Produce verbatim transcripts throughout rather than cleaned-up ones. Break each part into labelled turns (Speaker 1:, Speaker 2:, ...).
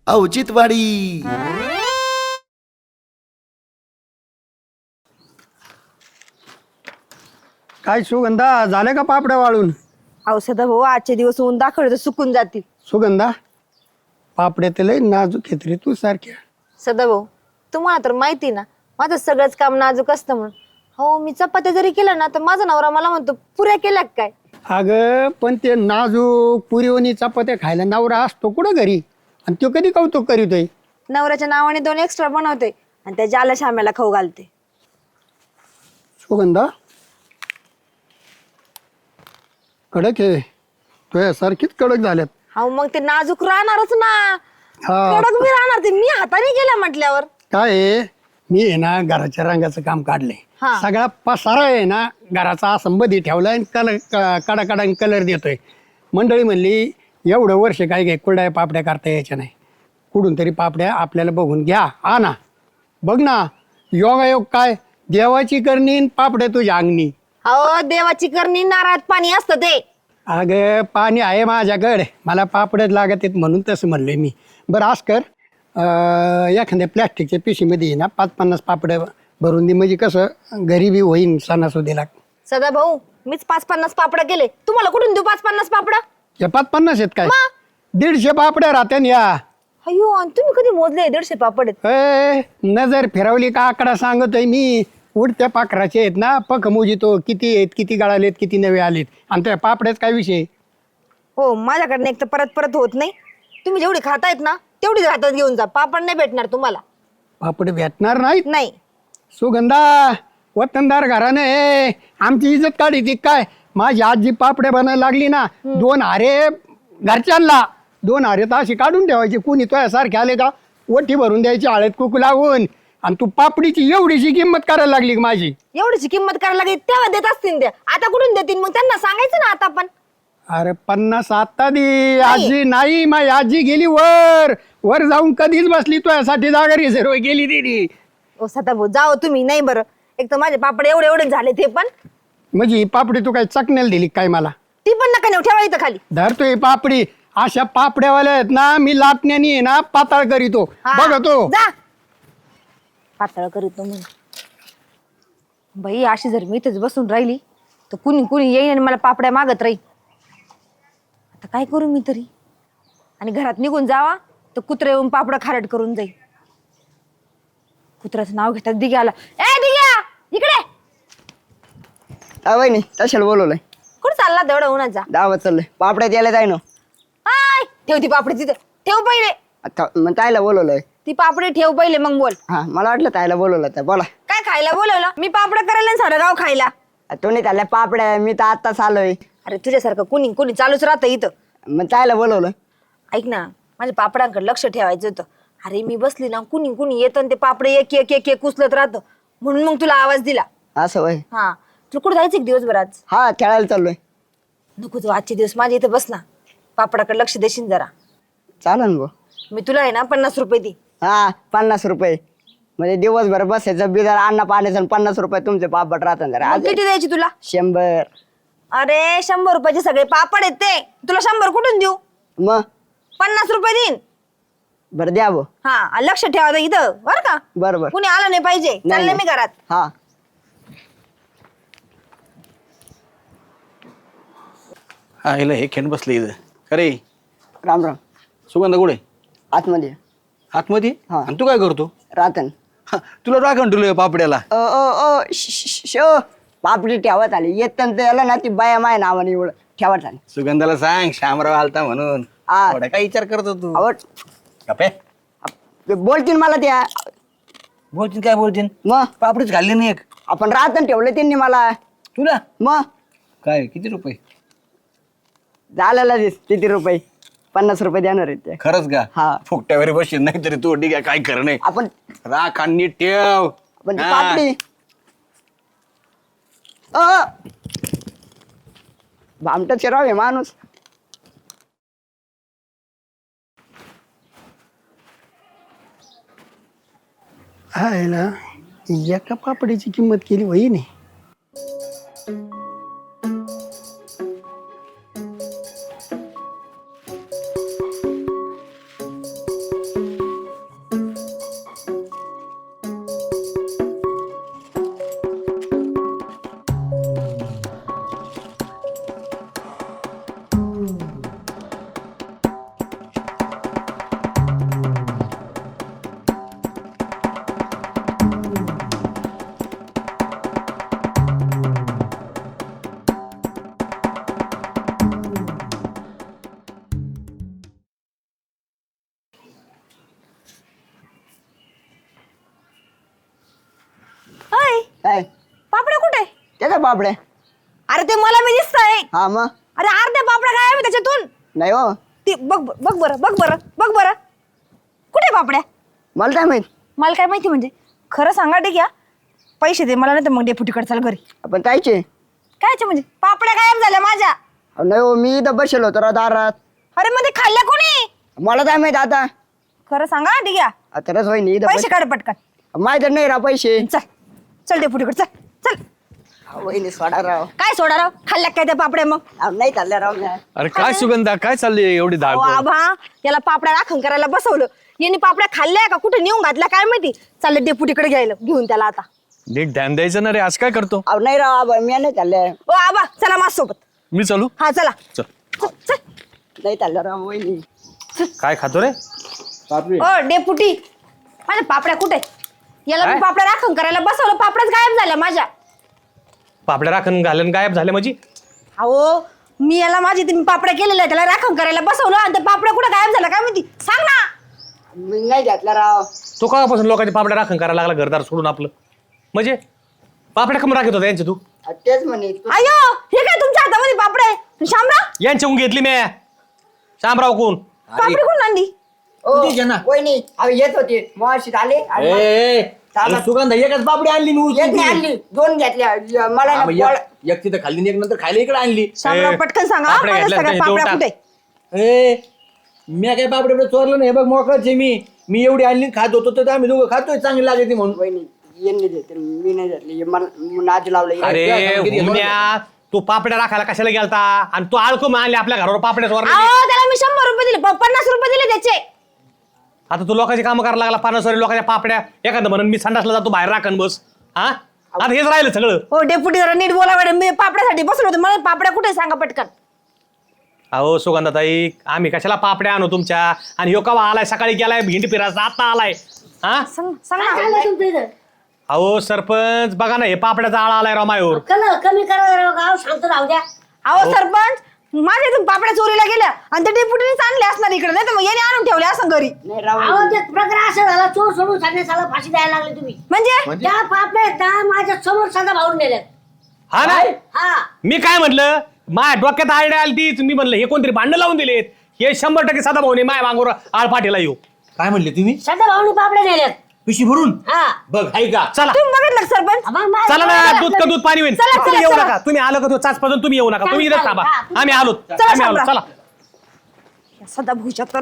Speaker 1: औचित्यवाडी.
Speaker 2: काय सुगंधा झाले का पापड्या वाळून?
Speaker 3: औषध भाऊ आजचे दिवस ऊन दाखवले तर सुकून जातील.
Speaker 2: सुगंधा पापड्या तर लय नाजूक आहेत रे तू सारख्या.
Speaker 3: सदाभाऊ तुम्हाला तर माहिती ना माझं सगळंच काम नाजूक असतं म्हणून. हो मी चपात्या जरी केलं ना तर माझा नवरा मला म्हणतो पुऱ्या केल्या का काय.
Speaker 2: अगं पण ते नाजूक पुरीवणी चपात्या खायला नवरा असतो कुठं घरी आणि तो कधी कौतुक करीतोय.
Speaker 3: नवऱ्याच्या नावाने दोन एक्स्ट्रा बनवते आणि त्या ज्याला शाम्याला खाऊ घालते.
Speaker 2: सुगंधा कडक आहे तुझ्या सारखीच कडक झाल्यात.
Speaker 3: हो मग ते नाजूक राहणारच ना.
Speaker 2: हा
Speaker 3: कडक मी राहणार ते मी हाताने केलं म्हटल्यावर.
Speaker 2: काय आहे, मी आहे ना घराच्या रंगाचं काम काढलंय.
Speaker 3: हा.
Speaker 2: सगळा पसारा आहे ना घराचा संबंधी ठेवलाय आणि कलर कडा कडा कलर देतोय. मंडळी म्हणली एवढं वर्ष काय काय कुरड्या पापड्या करता यायच्या नाही, कुठून तरी पापड्या आपल्याला बघून घ्या आ ना. बघ ना योगायोग काय देवाची करणी आणि पापड्या तुझ्या अंगणी.
Speaker 3: हो देवाची करणी नारळात पाणी असतं ते.
Speaker 2: अगं पाणी आहे माझ्याकडे, मला पापड्यात लागत आहेत म्हणून तसं म्हणलोय मी. बरं आज कर अं, एखाद्या प्लॅस्टिकच्या पिशीमध्ये आहे ना पाच पन्नास पापड्या भरून दे, म्हणजे कसं गरीबी होईन सणासुदीला.
Speaker 3: सदा भाऊ मीच पाच पन्नास पापड केले, तुम्हाला कुठून देऊ पाच पन्नास पापड.
Speaker 2: या पाच पन्नास आहेत काय? दीडशे पापड्या राहत्या या.
Speaker 3: अयो आणि तुम्ही कधी मोजले दीडशे पापड आहेत?
Speaker 2: ए, नजर फिरवली का आकडा सांगतोय मी. उडत्या पाखराचे आहेत ना पख मोजितो किती आहेत, किती गळालेत, किती नवे आलेत. आणि त्या पापड्यात काय विषय?
Speaker 3: हो माझ्याकडनं एक तर परत परत होत नाही. तुम्ही जेवढी खातायत ना तेवढीच हातात घेऊन जा, पापड नाही भेटणार तुम्हाला.
Speaker 2: पापड भेटणार नाहीत?
Speaker 3: नाही.
Speaker 2: सुगंधा वतनदार घरानं हे आमची इज्जत काढी ती काय? माझी आजी पापड्या बनायला लागली ना दोन हारे घरच्यांना, दोन हारे तर अशी काढून ठेवायची. कुणी तुझ्यासारखे आले का ओठी भरून द्यायची हळद कुकू लावून. आणि तू पापडीची एवढीशी किंमत करायला लागली की माझी.
Speaker 3: एवढीची किंमत करायला लागेल तेव्हा देत असतील त्या, आता कुठून देतील मग? त्यांना सांगायचं ना आता पण.
Speaker 2: अरे पन्नास आता दे. आजी नाही, माझी आजी गेली वर वर जाऊन कधीच बसली तुझ्यासाठी जागा रिझर्व गेली दिली.
Speaker 3: ओ सदा भाऊ जाओ तुम्ही. नाही बरं एक तर माझे पापड एवढे एवढे झाले ते पण.
Speaker 2: म्हणजे ही पापडी तू काय चकण्याला दिली काय मला?
Speaker 3: ती पण नका नेऊ, ठेवा इथं खाली.
Speaker 2: धरतो ही पापडी. अशा पापड्यावाल्या आहेत ना मी लाटण्यानी आहे ना पाताळ करीतो
Speaker 3: हा,
Speaker 2: बघतो.
Speaker 3: जा पातळ करीत म्हणून. बाई अशी जर मी इथेच बसून राहिली तर कुणी कुणी येईन आणि मला पापड्या मागत राहील. आता काय करू मी तरी? आणि घरात निघून जावा तर कुत्रा येऊन पापड खारट करून जाईल. कुत्र्याचं नाव घेतात दिग्याला. ए दिग्या इकडे.
Speaker 4: वहिनी तशाला बोलवलंय.
Speaker 3: कुठं चालला तेवढा उन्हाचा?
Speaker 4: दावत चाललंय पापड्या द्यायला जाय ना.
Speaker 3: हाय ठेव ती पापडी तिथे. ठेव पहिले
Speaker 4: आता मग ताईला बोलवलंय.
Speaker 3: ती पापडी ठेव पहिले मग बोल.
Speaker 4: हा मला वाटलं ताईला बोलवलं तर बोला.
Speaker 3: काय खायला बोलवलं? मी पापड करायला आणि सारं गाव खायला.
Speaker 4: तो नाही चालल्या पापड्या, मी तर आत्ताच आलोय.
Speaker 3: अरे तुझ्यासारखं कुणी कुणी चालूच राहतं इथं.
Speaker 4: मग ताईला बोलवलं.
Speaker 3: ऐक ना माझ्या पापडांकडे लक्ष ठेवायचं होतं. अरे मी बसली ना कुणी कुणी येतं आणि ते पापडे एक एक एक एक उचलत राहतं म्हणून मग तुला आवाज दिला.
Speaker 4: असं वय.
Speaker 3: हा तुला कुठं जायचं एक दिवसभर आज?
Speaker 4: हा खेळायला चाललोय.
Speaker 3: नको जाऊ आजचे दिवस माझ्या इथं बस ना. पापडाकडे लक्ष देशील जरा.
Speaker 4: चालन गो.
Speaker 3: मी तुला आहे ना पन्नास रुपये दे.
Speaker 4: हा पन्नास रुपये म्हणजे दिवसभर बसायचं बिजार अन्न पाण्याचं आणि पन्नास रुपये तुमचे पापड राहतात जरा.
Speaker 3: मग किती द्यायची तुला?
Speaker 4: शंभर.
Speaker 3: अरे शंभर रुपयाचे सगळे पापड आहेत ते. तुला शंभर कुठून देऊ?
Speaker 4: मग
Speaker 3: पन्नास रुपये देईन.
Speaker 4: बरं द्या बो.
Speaker 3: हा आणि लक्ष ठेवा इथं बरं का.
Speaker 4: बरोबर.
Speaker 3: कुणी आलं नाही पाहिजे. चालले मी घरात.
Speaker 4: हा
Speaker 5: हा हिला हे खेळ बसले इथं. खरे
Speaker 4: राम राम.
Speaker 5: सुगंधा कुठे?
Speaker 4: आतमध्ये.
Speaker 5: आतमध्ये?
Speaker 4: हा.
Speaker 5: आणि तू काय करतो?
Speaker 4: रातन.
Speaker 5: हा, तुला राखण ठेवलं पापड्याला.
Speaker 4: ओ ओ ओ श- श- शो पापडी ठेवत आली येत त्याला ना ती बाया माय नावाने एवढं ठेवत आली.
Speaker 5: सुगंधाला सांग श्यामराव आलता म्हणून.
Speaker 4: हा.
Speaker 5: एवढा काय विचार करतो तू?
Speaker 4: आवड
Speaker 5: गप्पे.
Speaker 4: ते बोलतील मला त्या.
Speaker 5: बोलतीन काय बोलतीन?
Speaker 4: मग
Speaker 5: पापडीच घालली नाही एक.
Speaker 4: आपण रातन ठेवलं त्यांनी मला.
Speaker 5: तुला
Speaker 4: मग
Speaker 5: काय किती रुपये?
Speaker 4: झालेला दिस किती रुपये? पन्नास रुपये देणार आहेत ते.
Speaker 5: खरंच का?
Speaker 4: हा.
Speaker 5: फुकट्यावर बसशील नाही तरी तू ठीक आहे काय खरं नाही.
Speaker 4: आपण
Speaker 5: राख आणि नीट ठेव.
Speaker 4: आपण ती
Speaker 5: हा.
Speaker 4: पापडी अ भामटा चिराव आहे माणूस.
Speaker 2: हायला एका पापडीची किंमत केली वही नाही.
Speaker 4: पापड्या
Speaker 3: अरे ते मला मी दिसतंय.
Speaker 4: हा मग
Speaker 3: अरे अर्ध्या पापड्या काय आहे त्याच्यातून.
Speaker 4: नाही हो
Speaker 3: ते बघ बघ बरं बघ बरं बघ बरं कुठे पापड्या.
Speaker 4: मला काय माहित.
Speaker 3: मला काय माहिती म्हणजे खरं सांगा ठीक आहे. पैसे दे मला नाही तर मग डेपुटीकडे चल घरी.
Speaker 4: आपण कायचे
Speaker 3: कायचे म्हणजे पापड्या गायब झाल्या माझ्या.
Speaker 4: अहो, नाही हो मी इथं बसेल होतो राव दारात.
Speaker 3: अरे मध्ये खाल्ल्या कोणी.
Speaker 4: मला काय माहित आता.
Speaker 3: खरं सांगा ठीक आहे.
Speaker 4: आता रस वहिनी इथं
Speaker 3: पैसे काढ पटकन.
Speaker 4: बस- माहित नाही राव पैसे.
Speaker 3: चल चल डेपुटीकडे चल चल.
Speaker 4: अहो, वहिनी सोडा राव.
Speaker 3: काय सोडा राव खाल्ल्या काय त्या पापड्या मग.
Speaker 4: अहो, नाही चालल्या राव म्या.
Speaker 1: अरे काय सुगंधा काय चालली एवढी
Speaker 3: अहो,
Speaker 1: धावपळ
Speaker 3: आभा याला पापड्या राखण करायला बसवलं. यांनी पापड्या खाल्ल्या का कुठे नेऊन घातल्या काय माहिती. चालले डेपुटीकडे घ्यायला घेऊन त्याला आता.
Speaker 1: नीट ध्यान द्यायचं ना रे आज काय करतो
Speaker 4: अहो नाही राव आबा मी नाही चालल्या.
Speaker 3: ओ आबा चला माझ्यासोबत.
Speaker 1: मी चालू
Speaker 3: हा चला
Speaker 1: चल
Speaker 3: चल, चल.
Speaker 4: नाही चालल्या राव वहिनी.
Speaker 1: काय खातो रे
Speaker 3: ओ डेपुटी माझ्या पापड्या कुठे. याला मी
Speaker 1: काय?
Speaker 3: पापड्या राखण करायला बसवलं पापड्याच गायब झाल्या माझ्या.
Speaker 1: पापड्या राखण घालून गायब झाले म्हणजे
Speaker 3: अहो मी याला माझी तुम्ही पापड्या केलेल्या त्याला राखण करायला बसवलं आणि त्या पापड्या कुठे गायब झाल्या काय माहिती सांग ना.
Speaker 4: मी नाही घातल्या राव.
Speaker 1: तो कापासून लोकांच्या पापड्या राखण करायला लागला घरदार सोडून आपलं म्हणजे पापड्या कमी राखत होता यांच्या तू
Speaker 4: अहो, तेच म्हणे.
Speaker 3: अयो हे काय तुमच्या हातामध्ये पापड्या आहे. शामराव
Speaker 1: यांच्याहून घेतली मी शामराव कोण
Speaker 3: पापडी कोण आणली.
Speaker 4: ओ, वहिनी अहो येत होते मग आले आणि मग-
Speaker 5: सुगंध एकच पापडी आणली मी
Speaker 4: एक नाही आणली दोन घेतल्या य- मला ना पोळ-
Speaker 5: एक तिथं खाल्ली एक नंतर खायला इकडे आणली
Speaker 3: शामराव
Speaker 1: ए,
Speaker 3: पटकन सांगा
Speaker 1: पापड्या
Speaker 3: माझ्या
Speaker 1: घेतल्या
Speaker 3: सगळ्या
Speaker 1: का?
Speaker 3: पापड्या
Speaker 1: देऊन
Speaker 3: कुठे.
Speaker 5: ए मी काय पापडी चोरलं नाही बघ मोकळच आहे मी मी एवढी आणली खात होतो तर आम्ही दोघं खातोय चांगली लागते म्हणून
Speaker 4: वहिनी यांनी देते मी नाही घेतली मला नाच लावलं.
Speaker 1: अरे हुमण्या, तू पापड्या राखायला कशाला गेलता आणि तू आळकून आणले आपल्या घरावर पापड्या चोरल्या
Speaker 3: अहो त्याला मी शंभर रुपये दिले प- पन्नास रुपये दिले त्याचे.
Speaker 1: आता तू लोकांची कामं करायला लागला पन्नास लोकांच्या पापड्या एखादं म्हणून मी संडासला जातो बाहेर राखण बस हा आता हेच राहिलं सगळं.
Speaker 3: हो डेपुटी जरा नीट बोला मॅडम मी पापड्यासाठी बसलो होतो मला पापड्या कुठे सांगा पटकन.
Speaker 1: अहो सुगंधाताई आम्ही कशाला पापड्या आणू तुमच्या आणि ह्यो कवा आलाय सकाळी गेलाय भिंड फिरायचा आता आलाय हा
Speaker 3: सांग सांग ना.
Speaker 1: अहो सरपंच बघा ना हे पापड्याचा आळा आलाय राव मायावर.
Speaker 6: कमी करा गाव शांत राहू द्या.
Speaker 3: अहो सरपंच माझ्या इथून पापड्या चोरीला गेल्या आणि त्या डेपुटीनेच आणले असणार इकडे नाही तर मग याने आणून ठेवले असं घरी.
Speaker 4: नाही राव
Speaker 6: अहो ते प्रकार असं झाला चोर सोडून सांगण्यासाला फाशी द्यायला लागले तुम्ही.
Speaker 3: म्हणजे
Speaker 6: त्या पापड्या त्या माझ्या समोर साधा भाऊन नेल्यात.
Speaker 1: हा ना
Speaker 6: हा
Speaker 1: मी काय म्हटलं माझ्या डोक्यात आयडिया आली तीच मी म्हणलं हे कोणतरी भांडणं लावून दिलेत हे शंभर टक्के साधा भाऊने माय मागोर आळ पाठीला येऊ.
Speaker 5: काय म्हणले तुम्ही
Speaker 6: साधा भाऊनी पापड्या नेल्यात.
Speaker 5: पिशी भरून
Speaker 6: हा
Speaker 5: बघ हाय का
Speaker 1: चला
Speaker 3: तुम्ही बघितलं का सरपंच.
Speaker 6: मग माझ्या
Speaker 1: चला ना
Speaker 6: पापड्या
Speaker 1: दूध का दूध पाणी होईल
Speaker 3: चला,
Speaker 1: तुम्ही
Speaker 3: चला,
Speaker 1: येऊ
Speaker 3: चला.
Speaker 1: नका तुम्ही आलं का तो चाच पाजून तुम्ही येऊ नका तुम्ही इथेच थांबा
Speaker 6: हा, तुम्ही-
Speaker 1: आम्ही आलो
Speaker 3: चला,
Speaker 1: आम्ही आलो
Speaker 3: शामराव.
Speaker 1: चला
Speaker 3: सदा भुजात तर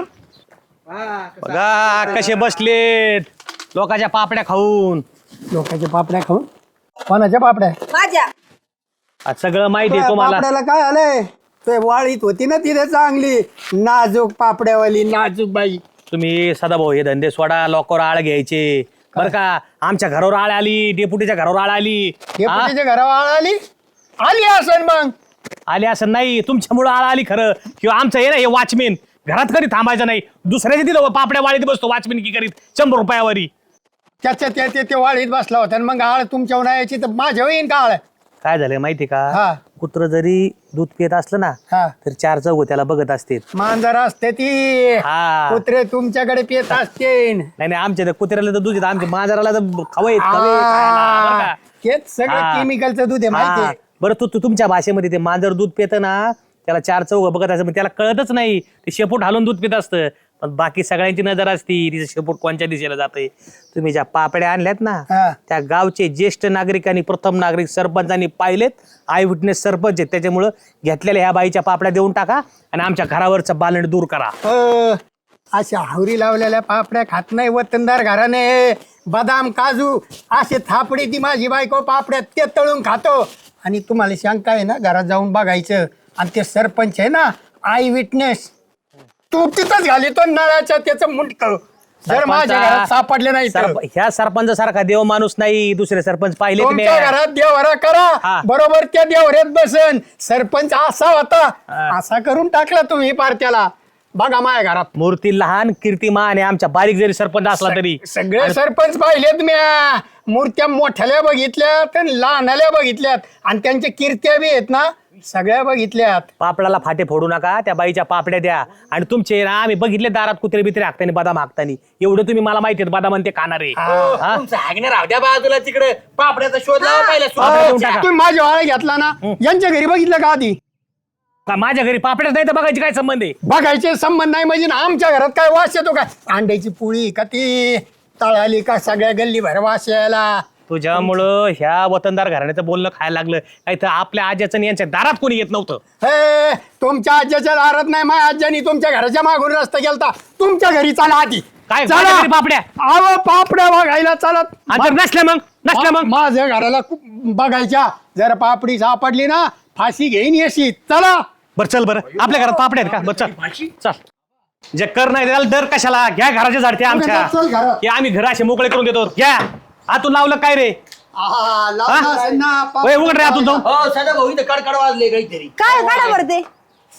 Speaker 1: बघा कसे बसलेत लोकांच्या पापड्या खाऊन
Speaker 2: लोकांच्या पापड्या खाऊन कोणाच्या पापड्या.
Speaker 3: माझ्या
Speaker 1: आज सगळं माहिती आहे तुम्हाला.
Speaker 2: पापड्याला काय आलंय ते वाळीत होती ना तिथे चांगली नाजूक पापड्यावाली नाजूक बाई.
Speaker 1: तुम्ही सदाभाऊ हे धंदे सोडा लोकांवर आळ घ्यायचे बरं का. आमच्या घरावर आळ आली डेपुटीच्या घरावर आळ आली
Speaker 2: हे
Speaker 1: हा?
Speaker 2: पुढच्या घरावर आली आली असन मग.
Speaker 1: आली असं नाही तुमच्यामुळं आळ आली खरं किंवा आमचं हे ना हे वॉचमेन घरात कधी थांबायचं नाही दुसऱ्याच्या तिथं पापड्या वाळीत बसतो वॉचमेन की करीत शंभर रुपयावरी.
Speaker 2: त्याच्या त्या ते- ते वाळीत बसला होता आणि मग आळ तुमच्या उन्हाळ्याची तर माझ्या येईन का आळ.
Speaker 1: काय झालंय माहिती का
Speaker 2: हा.
Speaker 1: कुत्र जरी दूध पित असलं ना
Speaker 2: हा.
Speaker 1: तर चार चौघ त्याला बघत असते.
Speaker 2: मांजर असते ती
Speaker 1: हा.
Speaker 2: कुत्रे तुमच्याकडे पित असते.
Speaker 1: नाही नाही आमच्या त्या कुत्र्याला तर दूध येतं आमच्या मांजराला तर खवय बरं का.
Speaker 2: तेच सगळं
Speaker 1: हा.
Speaker 2: केमिकलचं दूध आहे माहिती
Speaker 1: हा.
Speaker 2: आहे.
Speaker 1: बरं तू तू तुमच्या भाषेमध्ये ते मांजर दूध पितं ना त्याला चार चौघ बघत असं त्याला कळतच नाही ते शेपूट हालून दूध पित असतं पण बाकी सगळ्यांची नजर असती तिचं शेपूट कोणत्या दिशेला जाते. तुम्ही ज्या पापड्या आणल्यात ना
Speaker 2: हा.
Speaker 1: त्या गावचे ज्येष्ठ नागरिक आणि प्रथम नागरिक सरपंचांनी पाहिलेत आय विटनेस सरपंच आहेत त्याच्यामुळं घेतलेल्या ह्या बाईच्या पापड्या देऊन टाका आणि आमच्या घरावरचं बालण दूर करा.
Speaker 2: अ, अशा हावरी लावलेल्या पापड्या खात नाही वतनदार घराने बदाम काजू असे थापडी ती माझी बायको पापड्या ते तळून खातो. आणि तुम्हाला शंका आहे ना घरात जाऊन बघायचं आणि ते सरपंच आहे ना आय विटनेस तू तिथंच घालितो नळाच्या त्याचं मुंडक जर माझ्या घरात सापडले नाही तर.
Speaker 1: सरप- ह्या सरपंचासारखा देव माणूस नाही दुसरे सरपंच पाहिले
Speaker 2: तुमच्या घरात देवरा करा
Speaker 1: हा.
Speaker 2: बरोबर त्या देवऱ्यात बसन. सरपंच असा होता असा करून टाकला तुम्ही पार त्याला. बघा माझ्या घरात
Speaker 1: मूर्ती लहान कीर्तिमान आहे आमच्या बारीक जरी सरपंच असला तरी
Speaker 2: सगळे सरपंच पाहिलेत म्या मूर्त्या मोठ्याल्या बघितल्यात आणि लहानाल्या बघितल्यात आणि त्यांच्या कीर्त्या बी आहेत ना सगळ्या बघितल्यात.
Speaker 1: पापडाला फाटे फोडू नका, त्या बाईच्या पापड्या द्या. आणि तुमचे ना आम्ही बघितले दारात कुत्रे बित्रे हाकतानी बदाम हाकतानी. एवढं तुम्ही मला माहिती बदाम आणि ते खाणारे. हा?
Speaker 5: तुमचं हागणे राहू द्या बाजूला, तिकडे पापड्याचा शोध लावा पहिला.
Speaker 1: पापड्या देऊन टाका.
Speaker 2: तुम्ही माझ्या वाळा घेतला ना, यांच्या घरी बघितलं का आधी?
Speaker 1: का माझ्या घरी पापड्याच नाही तर बघायची काय संबंध आहे?
Speaker 2: बघायचे संबंध नाही म्हणजे ना, आमच्या घरात काय वास येतो काय? अंड्याची पोळी का ती तळाली का सगळ्या गल्ली भर वास यायला.
Speaker 1: तुझ्यामुळं ह्या वतनदार घराण्याचं बोलणं खायला लागलं. काही तर आपल्या आज्याचं आणि यांच्या दारात कोणी येत नव्हतं.
Speaker 2: हे तुमच्या आज्याच्या दारात नाही, माझ्या आज्यानी तुमच्या घराच्या मागून रस्ता गेलता. तुमच्या घरी चला आधी.
Speaker 1: काय
Speaker 2: चला.
Speaker 1: माझ्या घरी पापड्या
Speaker 2: अहो पापड्या बघायला चालत.
Speaker 1: आणि जर नसल्या मग नसल्या मग
Speaker 2: मा- माझ्या घराला खूप बघायच्या. जर पापडी सापडली ना, फाशी घेईन येशी. चला.
Speaker 1: बरं चल बरं, आपल्या घरात पापड्या आहेत का? बरं चल चल. जे कर नाही त्याला दर कशाला? घ्या घराच्या झाडते आमच्या.
Speaker 2: चल घरात.
Speaker 1: की आम्ही घर असे मोकळे करून देतो. घ्या. आतून लावलं काय रे?
Speaker 2: आहा, लावला असेल ना,
Speaker 1: होय, उघड रे आतून जाऊन.
Speaker 5: हो सदा भाऊ इथं कडकड वाजले काहीतरी.
Speaker 3: काय काढा बरं ते.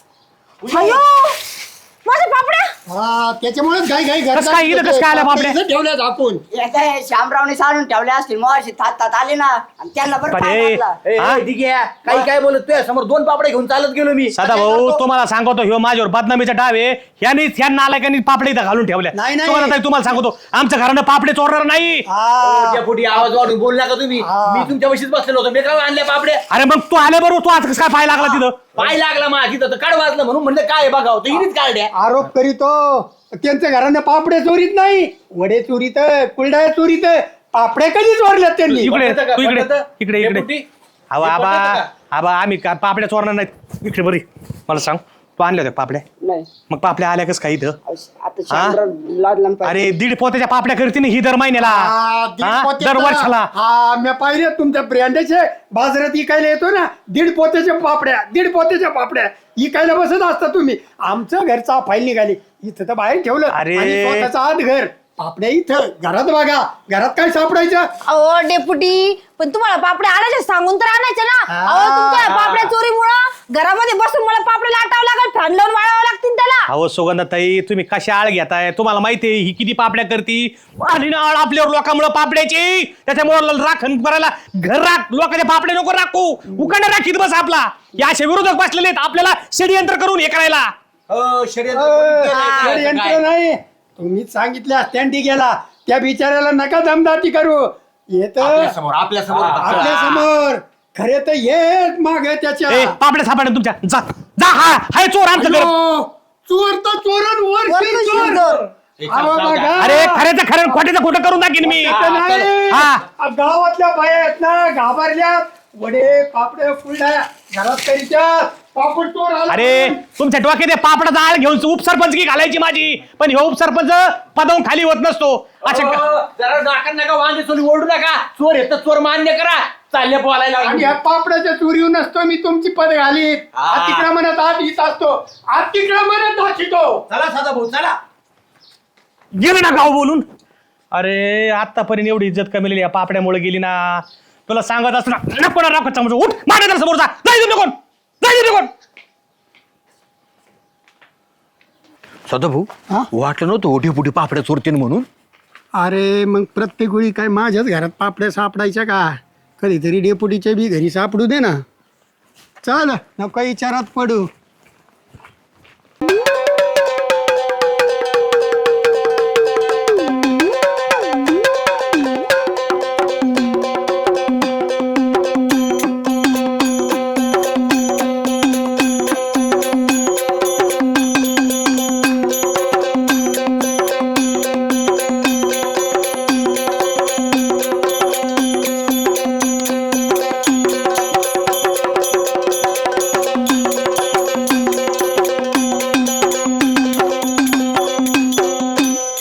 Speaker 3: अयो माझ्या पापड्या.
Speaker 2: हा, त्याच्यामुळेच घाई घाई
Speaker 1: कसं काय इथं कसं काय आल्या पापड्या?
Speaker 2: ठेवल्या झाकून.
Speaker 4: याचा हे श्यामरावने सारून ठेवले असतील मग अशी तात तात आले ना आणि त्यांना बरं
Speaker 1: पण
Speaker 4: पाय
Speaker 1: हे-
Speaker 4: घातला.
Speaker 5: ए,
Speaker 1: हा?
Speaker 5: ए, ठीक आहे. काही काय बोलत तुझ्या समोर दोन पापडे घेऊन चालत गेलो मी.
Speaker 1: सदा भाऊ तुम्हाला सांगतो ह्यो माझ्यावर बदनामीचा डाव आहे. ह्यानी ह्या नालायकांनी पापडे इथं घालून ठेवल्या.
Speaker 2: नाही, नाही.
Speaker 1: तुम्हाला ताई, तुम्हाला सांगतो आमच्या घरानं पापडे चोरणार नाही.
Speaker 2: हा.
Speaker 5: त्या पोटी आवाज वाढून बोल नका तुम्ही.
Speaker 2: हा.
Speaker 5: मी तुमच्या वशीच बसलेलो होतो. मी काय आणल्या पापड्या?
Speaker 1: अरे मग तू आले बरोबर, तू आज कसं काय पाय लागला तिथं?
Speaker 5: पाय लागला माझी तर काढ वाजलं म्हणून म्हणलं काय बघावं तर हिनीच काढल्या.
Speaker 2: आरोप करीतो त्यांच्या घरानं पापडे चोरीत नाही, वडे चोरीत, कुलड्या चोरीत, पापडे कधी चोरल्यात त्यांनी.
Speaker 1: इकडे
Speaker 5: पटतं का?
Speaker 1: तू इकडे
Speaker 5: पटतं?
Speaker 1: इकडे
Speaker 5: हे
Speaker 1: इकडे
Speaker 5: पोटी?
Speaker 1: आबा
Speaker 5: हे
Speaker 1: आबा
Speaker 5: पटतं का?
Speaker 1: आबा आम्ही का पापड्या चोरणार नाहीत. इकडे बरी मला सांग, तू आणल्या होत्या पापड्या?
Speaker 4: नाही
Speaker 1: मग पापड्या आल्या कस काय इथं?
Speaker 4: आता श्यामराव लादला पाय.
Speaker 1: अरे दीड पोत्याच्या पापड्या करते ना ही दर महिन्याला.
Speaker 2: हा, दीड
Speaker 1: हा?
Speaker 2: पोत्याचा.
Speaker 1: दर वर्षाला.
Speaker 2: हा, मी पाहिले तुमच्या ब्रँडेचे बाजारात इकायला येतो ना, दीड पोत्याच्या पापड्या, दीड पोत्याच्या पापड्या इकायला बसत असता तुम्ही. आमचं घरचा फाईल निघाली, इथं तर बाहेर ठेवलं.
Speaker 1: अरे.
Speaker 2: आणि स्वतःचं आत घर, पापड्या इथं घरात. बघा घरात काय सापडायचं?
Speaker 3: अहो डेपुटी, पण तुम्हाला पापड्या आणायच्या सांगून तर आणायच्या ना.
Speaker 2: हा.
Speaker 3: अहो तुमच्या पापड्या चोरीमुळं घरामध्ये बसून मला पापड्या लाटावं लागेल, फॅन लावून वाळावं लागतील त्याला.
Speaker 1: अहो सुगंधाताई, तुम्ही कशा आळ घेताय? तुम्हाला माहितीये ही किती पापड्या करती. आणि ना आळ आपल्यावर लोकांमुळे पापड्याची, त्याच्यामुळे राखण करायला घर राख, लोकांच्या पापड्या नको राखू, उकांडा राखीत बस आपला. या असे विरोधक बसलेले आहेत आपल्याला षडयंत्र करून हे करायला.
Speaker 5: हो, षडयंत्र कोणी केलंय
Speaker 2: अ,
Speaker 5: काय?
Speaker 2: यंत्र
Speaker 5: काय?
Speaker 2: नाही, तुम्ही सांगितले असत्यांटी गेला, त्या बिचाऱ्याला नका दमदाटी करू. येत
Speaker 5: आपल्या समोर आपल्या समोर
Speaker 2: आपल्या समोर खरे तर येत माग त्याच्या.
Speaker 1: ए पापड्या सापड्या तुमच्या, जा जा. हा हाय चोर आमचं घर.
Speaker 2: अयो, चोर तर चोरण वर
Speaker 3: वरती
Speaker 2: चोर.
Speaker 3: चोर.
Speaker 5: ए,
Speaker 2: अहो,
Speaker 5: जाऊ द्या.
Speaker 2: बघा.
Speaker 1: अरे खऱ्याचं खरं खोट्याचं खोटं करून दाखीन मी.
Speaker 2: इथं नाही.
Speaker 1: हा.
Speaker 2: आ, गावातल्या बाया आहेत ना, घाबरल्या. वडे पापडे फुलड्या घरात करीच्या, पापड चोर आला.
Speaker 1: अरे तुमच्या डोक्यात हे पापडाचा आळ घेऊन उपसरपंच की घालायची माझी, पण हे उपसरपंच पदावून खाली होत नसतो. अशा
Speaker 5: हो, जरा नाका नका वांगे चोरी ओरडू नका. चोर येतं चोर मान्य करा. चालले बोलायला
Speaker 2: आणि
Speaker 5: लागले.
Speaker 2: ह्या पापडाच्या चोरीवर नसतो मी तुमची पद घालीत.
Speaker 5: हा.
Speaker 2: तिकडे म्हणत आत येत असतो, आत तिकडे म्हणत दाखितो.
Speaker 5: चला सदा भाऊ चला.
Speaker 1: गेलं ना गाव बोलून. अरे आतापर्यंत एवढी इज्जत कमी या पापड्यामुळे गेली ना. तुला सांगत असतो ना, नको ना राखत समोर उठ, माझ्या समोर जा, जाय तिथे कोण, जाय तिथे कोण.
Speaker 5: सदा भाऊ
Speaker 2: हा?
Speaker 5: वाटलं नव्हतं ओढी पुढे पापड्या चोरतीन म्हणून.
Speaker 2: अरे मग प्रत्येक वेळी काय माझ्याच घरात पापड्या सापडायच्या का? कधीतरी डेपुटीच्या बी घरी सापडू दे ना. चल नको विचारात पडू.